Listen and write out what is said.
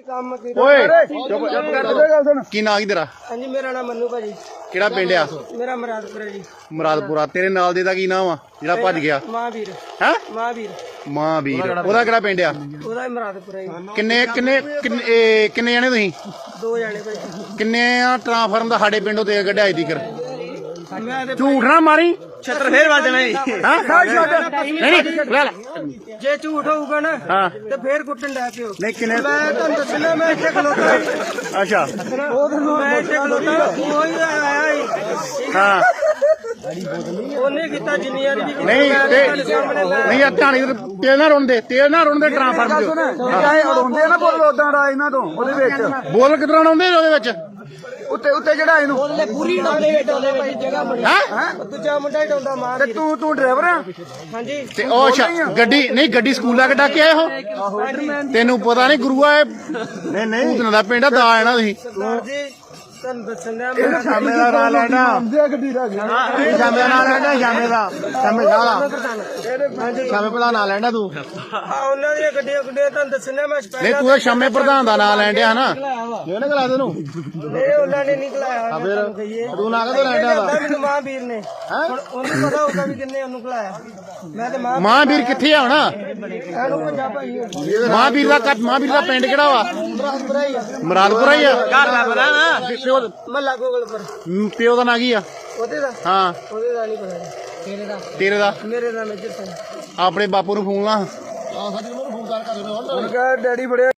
ਕੰਮ ਓਏ ਕੀ ਨਾਂ ਕੀ ਤੇਰਾ? ਹਾਂਜੀ ਮੇਰਾ ਨਾਮ ਮੰਨੂ ਭਾਜੀ। ਕਿਹੜਾ ਪਿੰਡ ਆ? ਮੇਰਾ ਮੁਰਾਦਪੁਰ ਹੈ ਜੀ। ਮੁਰਾਦਪੁਰਾ। ਤੇਰੇ ਨਾਲ ਦੇ ਦਾ ਕੀ ਨਾਮ ਆ ਜਿਹੜਾ ਭੱਜ ਗਿਆ? ਮਹਾਂਵੀਰ। ਹੈ ਮਹਾਂਵੀਰ। ਮਹਾਂਵੀਰ। ਉਹਦਾ ਕਿਹੜਾ ਪਿੰਡ ਆ? ਉਹਦਾ ਹੀ ਮੁਰਾਦਪੁਰ ਹੈ ਜੀ। ਕਿੰਨੇ ਕਿੰਨੇ ਕਿੰਨੇ ਜਣੇ ਤੁਸੀਂ? 2 ਜਣੇ ਭਾਜੀ। ਕਿੰਨੇ ਆ ਟ੍ਰਾਂਸਫਾਰਮ ਦਾ ਸਾਡੇ ਪਿੰਡੋਂ ਤੇ ਕੱਢਿਆ ਈ ਤੀਕਰ? ਮੈਂ ਤੇ ਝੂਠ ਨਾ ਮਾਰੀ। ਛੱਤਰ ਫੇਰ ਵੱਜਣਾ ਜੀ। ਨਹੀਂ ਲੈ ਲੈ। ਜੇ ਝੂਠ ਹੋਊਗਾ ਨਾ ਹਾਂ ਤੇ ਫੇਰ ਕੁੱਟਣ ਲੱਗ ਪਿਓ। ਨਹੀਂ ਕਿੰਨੇ? ਮੈਂ ਤੁਹਾਨੂੰ ਦੱਸਣਾ ਮੈਂ ਇੱਥੇ ਖਲੋਤਾ ਅੱਛਾ ਮੈਂ ਇੱਥੇ ਖਲੋਤਾ ਕੋਈ ਆਇਆ ਹੀ ਹਾਂ ਉਹਨੇ ਕੀਤਾ ਜਿੰਨੀ ਵਾਰੀ ਵੀ ਕੀਤਾ ਨਹੀਂ ਮੈਂ ਤੇ ਤੁਹਾਡੇ ਸਾਹਮਣੇ ਮੈਂ ਨਹੀਂ ਆ ਢਾਣੀ ਤੇਲ ਨਾ ਰੋਂਦੇ ਟ੍ਰਾਂਸਫਾਰਮ ਚ ਚਾਹੇ ਉਡਾਉਂਦੇ ਨਾ ਬੋਲ ਉਦਾਂ ਦਾ ਇਹਨਾਂ ਤੋਂ ਉਹਦੇ ਵਿੱਚ ਬੋਲ ਕਿਦਾਂ ਆਉਂਦੇ ਉਹਦੇ ਵਿੱਚ ਉੱਤੇ ਉੱਤੇ ਜਿਹੜਾ ਇਹਨੂੰ ਉਹਦੇ ਪੂਰੀ ਡਾਉਂਦੇ ਭਾਈ ਜਗ੍ਹਾ ਬਣੀ ਹੈ ਦੂਜਾ ਮੁੰਡਾ ਹੀ ਡਾਉਂਦਾ ਮਾਂ ਤੇ ਤੂੰ ਡਰਾਈਵਰ ਆ? ਹਾਂਜੀ ਤੇ ਉਹ ਅੱਛਾ ਗੱਡੀ ਨਹੀਂ ਗੱਡੀ ਸਕੂਲ ਲਾ ਕੇ ਡੱਕ ਕੇ ਆਏ ਹੋ? ਤੈਨੂੰ ਪਤਾ ਨਹੀਂ ਗੁਰੂਆ ਇਹ ਨਹੀਂ ਨਹੀਂ ਭੂਤਨਾ ਦਾ ਪਿੰਡ ਆ ਦਾ ਆਣਾ ਤੁਸੀਂ ਸਰਦਾਰ ਜੀ ਤੁਹਾਨੂੰ ਦੱਸਣਾ ਮੈਂ ਸ਼ਾਮੇ ਦਾ ਨਾਂ ਲੈਣਾ ਗੱਡੀ ਦਾ ਸ਼ਾਮੇ ਦਾ ਨਾਂ ਲੈਣਾ ਸ਼ਾਮੇ ਦਾ ਸ਼ਾਮੇ ਦਾ ਸ਼ਾਮੇ ਭਲਾ ਨਾਂ ਲੈਣਾ ਤੂੰ ਉਹਨਾਂ ਦੀਆਂ ਗੱਡੀਆਂ ਤੁਹਾਨੂੰ ਦੱਸਣਾ ਮੈਂ ਨਹੀਂ ਤੂੰ ਤਾਂ ਸ਼ਾਮੇ ਪ੍ਰਧਾਨ ਦਾ ਨਾਂ ਲੈਣ ਡਿਆ ਨਾ ਇਹ ਨਾ ਗਲਾ ਤੈਨੂੰ ਇਹ ਉਹਨਾਂ ਨੇ ਨਹੀਂ ਖਲਾਇਆ ਫਿਰ ਤੂੰ ਨਾਂ ਕਦੋਂ ਲੈਣ ਡਿਆ ਵਾ? ਮੈਨੂੰ ਮਹਾਂਵੀਰ ਨੇ ਹੁਣ ਉਹਨੂੰ ਪਤਾ ਹੋਊਗਾ ਵੀ ਕਿੰਨੇ ਉਹਨੂੰ ਖਲਾਇਆ ਮੈਂ ਤੇ ਮਹਾਂਵੀਰ ਕਿੱਥੇ ਆ ਹੁਣ? ਇਹਨੂੰ ਪੰਜਾਬ ਭਾਈ ਮਹਾਂਵੀਰ ਦਾ ਪਿੰਡ ਕਿਹੜਾ ਵਾ? ਮੁਰਾਦਪੁਰਾ ਹੀ ਆ। ਘਰ ਦਾ ਪਤਾ ਨਾ ਮੱਲਾ ਗੋਗਲਪੁਰ ਪਿਓ ਦਾ ਨਾਂ ਕੀ ਆ? ਉਹਦੇ ਦਾ ਹਾਂ ਉਹਦੇ ਦਾ ਨਹੀਂ ਪਤਾ ਜੀ। ਤੇਰੇ ਦਾ? ਮੇਰੇ ਦਾ ਮੇਜਰ ਸਿੰਘ। ਆਪਣੇ ਬਾਪੂ ਨੂੰ ਫੋਨ ਲਾ। ਉਹਨੇ ਕਿਹਾ ਡੈਡੀ ਬੜੇ